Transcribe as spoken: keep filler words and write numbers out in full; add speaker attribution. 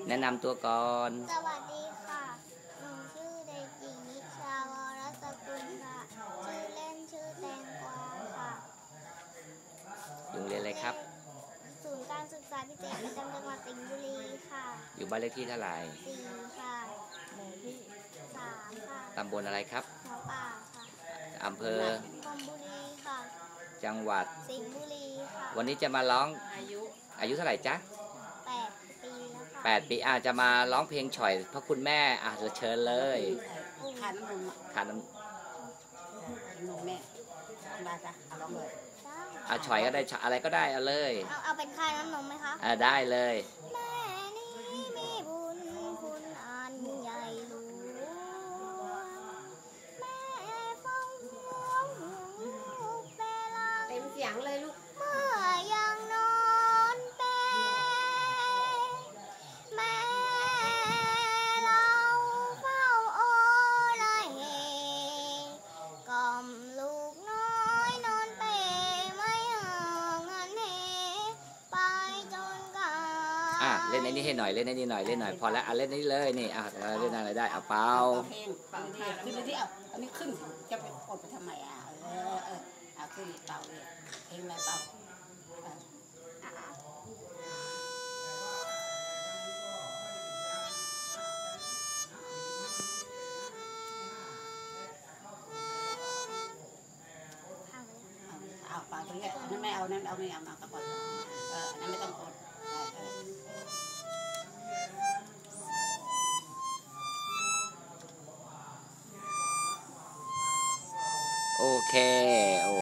Speaker 1: แนะนำตัวก่อน
Speaker 2: สวัสดีค่ะ หนูชื่อเด็กหญิงนิชาวรสกุลค่ะ ชื่อเล่นชื่อแตงกวาค่ะ
Speaker 1: อยู่โรงเรียนอะไรครับ
Speaker 2: ศูนย์การศึกษาพิเศษประจำจังหวัดสิงห์บุรีค่ะ
Speaker 1: อยู่บ้านเลขที่เท่าไหร่
Speaker 2: สี่ค่ะหมู่ที่สามค่ะ
Speaker 1: ตำบลอะไรครับ
Speaker 2: หัวป่าค่ะ
Speaker 1: อำเภอ
Speaker 2: พรหมบุรีค่ะ
Speaker 1: จังหวัด
Speaker 2: สิงห์บุรีค่ะ
Speaker 1: วันนี้จะมาร้องอายุอายุเท่าไหร่จ๊ะ
Speaker 2: แปดปีแล้วค่ะ
Speaker 1: แปดปีอาจจะมาร้องเพลงฉ่อยพระคุณแม่อ่ะเชิญเลย
Speaker 3: ทานน้ำนม
Speaker 1: ทานน้
Speaker 3: นมแม่ได้จ้ะเอาลองเลย
Speaker 1: ำอ่ะฉ่อยก็ได้อะไรก็ได้เอาเลย
Speaker 2: เอาเอาเป็นค่าน้ำนมไหมคะ
Speaker 1: อ่ะได้เลย
Speaker 2: แม่นี้มีบุญคุณอันใหญ่หลวงแม่ฟังห่วงลูกเวลา
Speaker 3: เต็มเสียงเลยลูก
Speaker 2: เมื่อยังนอนเปรแม่เราเฝ้าโอละเหกล่อมลูกน้อยนอนเปรไม่ห่างเงินเหไปจนกา
Speaker 1: อ่ะเล่นในนี้ให้หน่อยเล่นในนี้หน่อยเล่นหน่อยพอแล้วอ่ะเล่นนี้เลยนี่อ่ะเล่นอะไรได้อ่ะเปล่า
Speaker 3: เพลงเป่าที่ขึ้นไปที่เอาอันนี้ขึ้นจะไปกดไปทำไมอ่ะเออเออเอาขึ้นเป่าเลยเพลงอะไรเป่าเอาเป่าตรงนี้นั่นไม่เอานั่นเอาไม่เอามาก็กดเออนั่นไม่ต้องกด
Speaker 1: โอเค